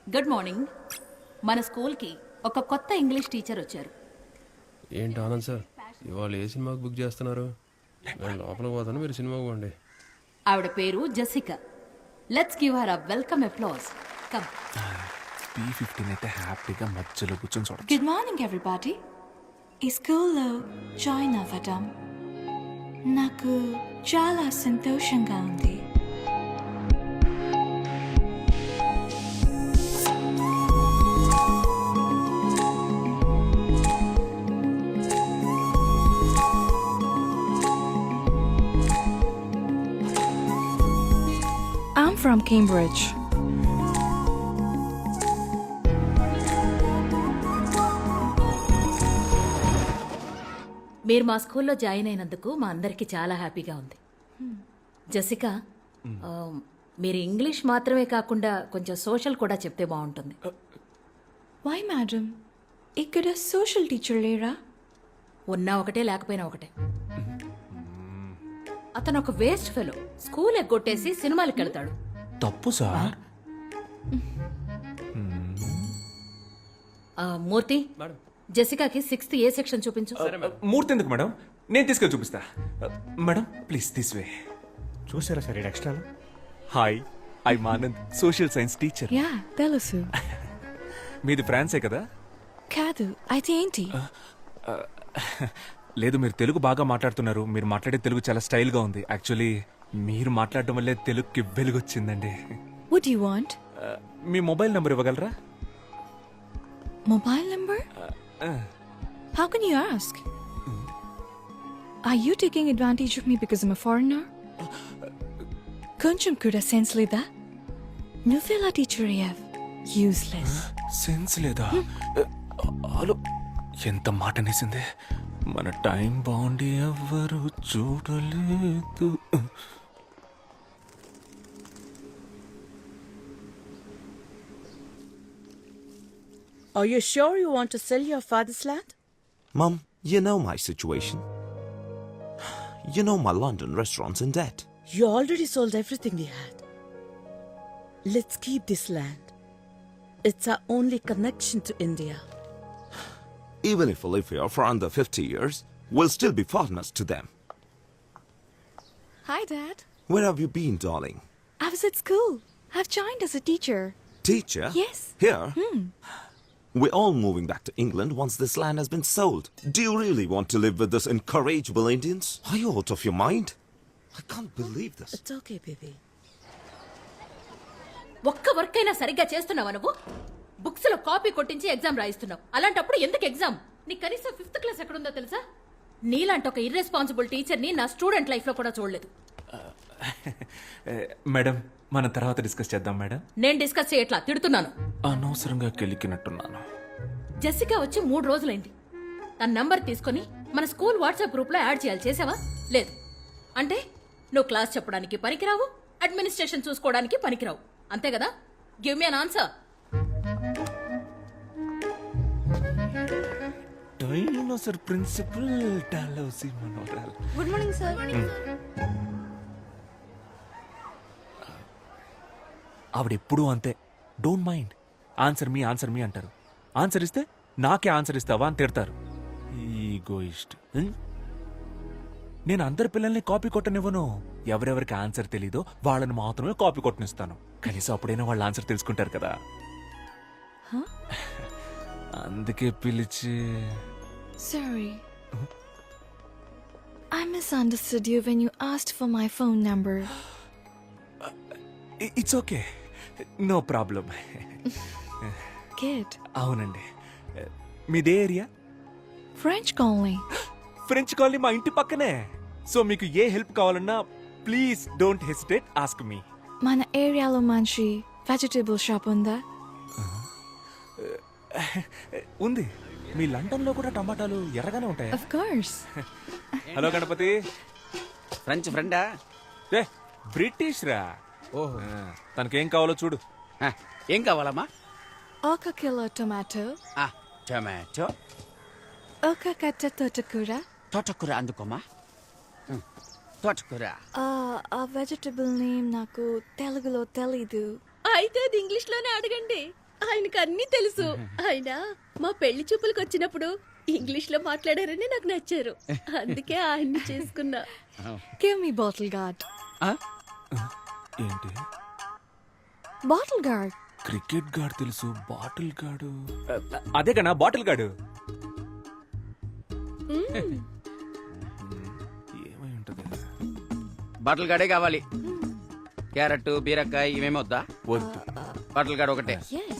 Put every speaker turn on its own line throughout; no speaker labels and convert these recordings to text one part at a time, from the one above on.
Good morning. మన స్కూల్కి ఒక కొత్త ఇంగ్లీష్ టీచర్ వచ్చారు.
ఏంటి ఆనంద్ సార్ ఇవాళ ఏ సినిమాకి బుక్ చేస్తున్నారు? నేను లోపలికి పోతాను, మీరు సినిమాకి పోండి.
ఆవిడ పేరు Jessica. Let's give her a welcome applause. Come.
P15 అయితే హ్యాపీగా మధ్యలో కూర్చొని చూడొచ్చు.
Good morning, everybody. ఈ స్కూల్లో జాయిన్ అవ్వడం నాకు చాలా సంతోషంగా ఉంది. I'm from Cambridge.
మీరు మా స్కూల్లో జాయిన్ అయినందుకు మా అందరికీ చాలా హ్యాపీగా ఉంది. జెసికా, మీరు ఇంగ్లీష్ మాత్రమే కాకుండా కొంచెం సోషల్ కూడా చెప్తే బాగుంటుంది.
Why, madam? ఇక్కడ సోషల్ టీచర్ లేరా?
ఉన్నా ఒకటే లేకపోయినా ఒకటే. అతను ఒక వేస్ట్ ఫెలో. స్కూల్ ఎగ్గొట్టేసి సినిమాలకు వెళ్తాడు.
తప్పు సార్.
మూర్తి, జెసికాకి 6th ఏ సెక్షన్ చూపించు.
మూర్తి ఎందుకు మేడం? నేను తీసుకెళ్ళి చూపిస్తా. Madam please this way.
చూసారా sir extra?
Hi, I Anand, social science teacher.
Yeah తెలుసు.
మీది ఫ్రాన్సే కదా?
కాదు, అయితే ఏంటి?
లేదు, మీరు తెలుగు బాగా మాట్లాడుతున్నారు. మీరు మాట్లాడే తెలుగు చాలా స్టైల్గా ఉంది. యాక్చువల్లీ మీరు మాట్లాడడం వల్లే తెలుగుకి వెలుగొచ్చిందండి.
What do you want?
మీ మొబైల్ నెంబర్ ఇవ్వగలరా?
Mobile number? How can you ask? Are you taking advantage of me because I'm a foreigner? కొంచెం కూడా సెన్స్ లేదా? నువ్వెలా టీచర్ అయ్యావ్? యూస్లెస్.
సెన్స్ లేదా? హలో, ఎంత మాట అనేసింది. మన టైం బాగుండి ఎవ్వరు చూడలేదు.
Are you sure you want to sell your father's land?
Mum, you know my situation. You know my London restaurant's in debt.
You already sold everything we had. Let's keep this land. It's our only connection to India.
Even if we live here for under 50 years, we'll still be partners to them.
Hi, Dad.
Where have you been, darling?
I was at school. I've joined as a teacher.
Teacher?
Yes.
Here? We're all moving back to England once this land has been sold. Do you really want to live with these incorrigible Indians? Are you out of your mind? I can't believe this.
It's okay, baby.
ఒక్క work అయినా సరిగ్గా చేస్తున్నావా నువ్వు? Books లో copy కొట్టించి exam రాయిస్తున్నావు. అలాంటప్పుడు ఎందుకు exam? నీ కనీసం 5th క్లాస్ ఎక్కడుందో తెలుసా? నీలాంటి ఒక ఇర్రెస్పాన్సిబుల్ టీచర్ని నా స్టూడెంట్ లైఫ్ లో కూడా చూడలేదు.
మేడం, మనం తర్వాత డిస్కస్ చేద్దాం మేడం.
నేను డిస్కస్ చేయట్లా, తిడుతున్నాను.
అనవసరంగా కెలికినట్టున్నాను.
జెసికా వచ్చి 3 రోజులైంది. తన నంబర్ తీసుకుని మన స్కూల్ వాట్సాప్ గ్రూప్ లో యాడ్ చేయాలి. చేసావా? లేదు. అంటే నువ్వు క్లాస్ చెప్పడానికి పనికిరావు, అడ్మినిస్ట్రేషన్ చూసుకోవడానికి పనికిరావు, అంతే కదా? Give me an answer.
Dinosaur principal డాలౌసి మనోరల్.
Good morning sir.
ఆవిడెప్పుడూ అంతే. Don't mind. ఆన్సర్ మీ అంటారు. ఆన్సర్ ఇస్తే నాకే ఆన్సర్ ఇస్తావా అని తిడతారు. ఈగోయిస్ట్. నేను అందరి పిల్లల్ని కాపీ కొట్టనివ్వను. ఎవరెవరికి ఆన్సర్ తెలీదో వాళ్ళని మాత్రమే కాపీ కొట్టనిస్తాను. కనీసం అప్పుడైనా వాళ్ళ ఆన్సర్ తెలుసుకుంటారు కదా. అందుకే పిలిచి.
Sorry. I misunderstood you when you asked for my phone number.
It's okay, no problem.
Kid.
అవునండి. మీదే area?
French colony.
French colony మా ఇంటి పక్కనే. సో మీకు ఏ హెల్ప్ కావాలన్నా please don't hesitate, ask me.
మన ఏరియాలో మంచి వెజిటబుల్ షాప్ ఉందా?
ఉంది. మీ లండన్ లో కూడా టమాటాలు ఎర్రగానే ఉంటాయి.
Of course.
Hello Ganapathi.
French ఫ్రెండా?
రే బ్రిటిష్ రా. ఓహో, తనకేం కావాలో చూడు.
ఏం కావాలమ్మా?
ఒక కిలో టొమాటో.
టొమాటో.
ఒక కట్ట తోటకూర.
తోటకూర అందుకోమా. తోటకూర.
ఆ వెజిటబుల్ నేమ్ నాకు తెలుగులో తెలీదు.
అయితే అది ఇంగ్లీష్ లోనే అడగండి.
ఆయనకు అన్నీ తెలుసు. ఆయన మా పెళ్లి చూపులకు వచ్చినప్పుడు ఇంగ్లీష్ లో మాట్లాడారని నాకు నచ్చారు. అందుకే ఆయన్ని చేసుకున్నా.
Give me bottle guard.
ఆ?
ఏంటి
Bottle guard.
క్రికెట్ గాడు తెలుసు బాటిల్ గాడు అదే కన్నా బాటిల్ గాడు ఏమై ఉంటది
బాటిల్ గాడే కావాలి. క్యారెట్ బీరకాయ ఇవేమి వద్దా?
వద్దు
బాటిల్ గాడు ఒకటే.
Yes.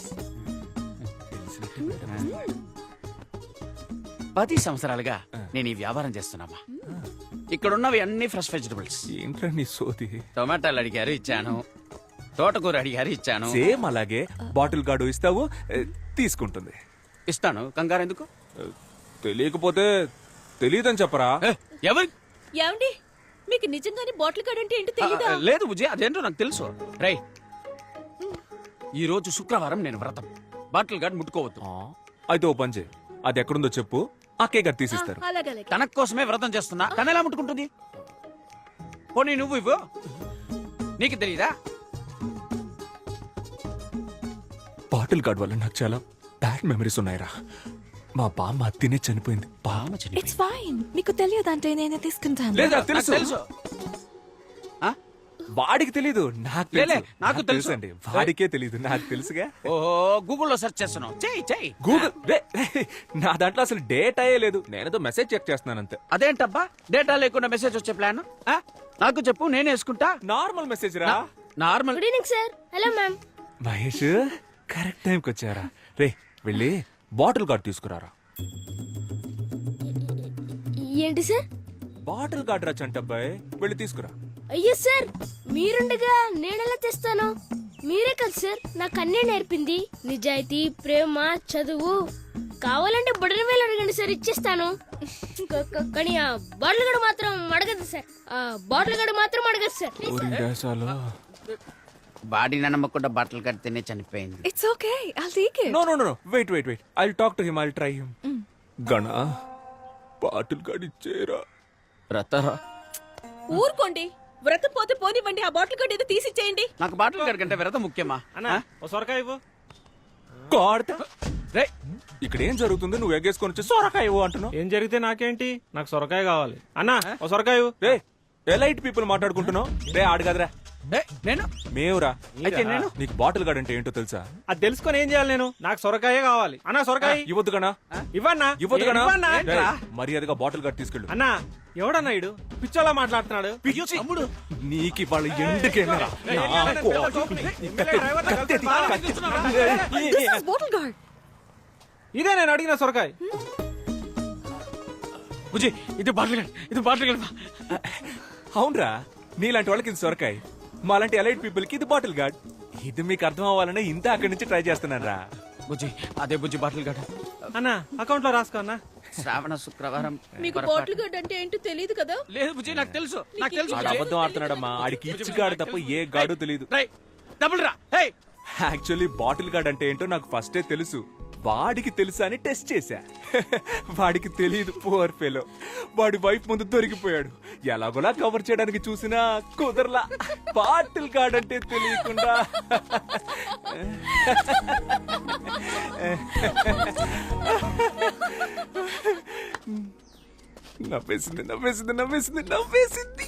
10 సంవత్సరాలుగా నేను ఈ వ్యాపారం చేస్తున్నామా. ఇక్కడున్నవి అన్ని ఫ్రెష్ వెజిటబుల్స్.
ఏంట్రా నీ సోది
టొమాటోలు అడిగారు ఇచ్చాను, తోటకూర అడిగారు ఇచ్చాను.
సేమ్ అలాగే బాటిల్ గాడు ఇస్తావు తీసుకుంటుంది
ఇస్తాను, కంగారు ఎందుకు?
తెలియకపోతే తెలియదని చెప్పరా
ఏ, ఎవరి
ఏమండి, మీకు నిజంగానే బాటిల్ గార్డ్ అంటే ఏంటో తెలీదా?
లేదు బుజ్జి, అదేంటో నాకు తెలుసు. రై, ఈ రోజు శుక్రవారం నేను వ్రతం. బాటిల్ గార్డ్ ముట్టుకోవద్దు.
అయితే ఓ పని చేయి అది ఎక్కడుందో చెప్పు అక్కే గారు తీసిస్తారు
అలాగే
తన కోసమే వ్రతం చేస్తున్నా, తన ఎలా ముట్టుకుంటుంది? పోనీ నువ్వు ఇవ్వు, నీకు తెలీదా?
బాటిల్ గార్డ్ వల్ల నాకు చాలా బ్యాడ్ మెమరీస్ ఉన్నాయిరా. మా బామ్మ తినే చనిపోయింది.
బామ్మ చనిపోయింది.
It's fine. మీకు తెలియదంటే నేనే తీసుకుంటాను.
లేదా
నాకు
తెలుసు
తెలుసు. ఆ?
వాడికి తెలీదు నాకు
లేలే,
తెలుసు.
నాకు తెలుసు.
అండి వాడికే తెలీదు నాకు తెలుసుగా.
ఓహో, గూగుల్లో సెర్చ్ చేస్తున్నావు. చెయ్యి చెయ్యి.
గూగుల్ నా దాంట్లో అసలు డేట్ అయ్యే లేదు. నేనేదో మెసేజ్ చెక్ చేస్తున్నాను అంతే.
అదేంటబ్బా, డేటా లేకుండా మెసేజ్ వచ్చే ప్లాన్? నాకు చెప్పు, నేను వేసుకుంటా.
నార్మల్ మెసేజ్ రా.
Normal.
Good evening sir. Hello ma'am.
Mahesh correct టైంకి వచ్చారా. రే వెళ్ళి బాటిల్ గార్డ్ తీసుకురారా.
ఏంటి సార్?
బాటిల్ గార్డ్ రా చంటబ్బాయ్, వెళ్ళి తీసుకురా.
అయ్యో సార్, మీరుండగా నేనెలా తెస్తాను? మీరే కదా సార్ నాకు అన్నీ నేర్పింది. నిజాయితీ, ప్రేమ, చదువు. కావాలంటే బుడని వేలు అడగండి సార్, ఇచ్చేస్తాను. కానీ ఆ బాటిల్ గడు మాత్రం అడగదు సార్. ఆ బాటిల్ గడు మాత్రం అడగదు సార్.
ఊరి దేశాలు
బాడీ నమ్మకుండా బట్టలు కడితేనే చనిపోయింది.
It's okay. I'll take it.
No no no wait wait wait I talk to him I try him. గణ బాటిల్ గార్డ్ ఇచ్చేరా.
వ్రతరా,
ఊరుకోండి. వ్రతం పోతే పోనివ్వండి. ఆ బాటిల్ గడు ఏదో తీసిచ్చేయండి.
నాకు బాటిల్ గార్డ్ కంటే వ్రతం ముఖ్యమా?
సొరకాయ ఇవ్వు.
గాడ్
రే,
ఇక్కడ ఏం జరుగుతుంది? నువ్వు ఎగ్గేసుకొని వచ్చి సొరకాయ ఇవ్వు అంటున్నావు.
ఏం జరిగితే నాకేంటి, నాకు సొరకాయ కావాలి. అన్నా ఓ సొరకాయ ఇవ్వు.
రే ఎలైట్ పీపుల్ మాట్లాడుకుంటున్నావు. రే ఆడు కదరా
నేను
మేవురా.
అయితే నేను
నీకు బాటిల్ గార్డ్ అంటే ఏంటో తెలుసా?
అది తెలుసుకొని ఏం చేయాలి నేను? నాకు సొరకాయే కావాలి. అన్నా సొరకాయ
ఇవ్వద్దు గనా,
ఇవ్వన్నా.
ఇవ్వద్దు గనా.
ఇవ్వన్నా.
రేయ్, మర్యాదగా బాటిల్ గార్డ్ తీసుకెళ్ళు.
అన్నా ఎవడన్నా ఇడు పిచ్చోలా మాట్లాడుతున్నాడు.
తమ్ముడు,
నీకు ఇవాళ ఎండుకేనరా.
This is bottle guard.
ఇదే నేను అడిగిన సొరకాయ.
బుజ్జి, ఇది బాటిల్ గార్డ్, ఇది బాటిల్ గార్డ్.
అవునరా, నీలాంటి వాళ్ళకి ఇది సొరకాయ, మాలాంటి ఎలైట్ పీపుల్ కి ఇది బాటిల్ గార్డ్. ఇది మీకు అర్థం అవ్వాలనే ఇంత అక్కడి నుంచి ట్రై చేస్తున్నాను రా.
బుజ్జి, అదే బుజ్జి బాటిల్ గార్డ్.
అన్నా అకౌంట్ లో రాసుకో అన్నా.
శ్రావణ శుక్రవారం.
మీకు బాటిల్ గడ్ అంటే ఏంటో తెలియదు కదా?
లేదు బుజ్జి, నాకు తెలుసు, నాకు తెలుసు.
ఆడు అబద్ధం ఆడుతున్నాడమ్మా. ఆడికి ఇచ్చి గాడు తప్ప ఏ గాడు తెలియదు.
రై, డబుల్ రా. హే,
యాక్చువల్లీ బాటిల్ గార్డ్ అంటే ఏంటో నాకు ఫస్టే తెలుసు. వాడికి తెలుసా అని టెస్ట్ చేశా. వాడికి తెలియదు, పువర్ ఫెలో. వాడి వైఫ్ ముందు దొరికిపోయాడు. ఎలాగోలా కవర్ చేయడానికి చూసినా కుదరలా. బాటిల్ గార్డ్ అంటే తెలియకుండా నవ్వేసింది నవ్వేసింది నవ్వేసింది నవ్వేసింది.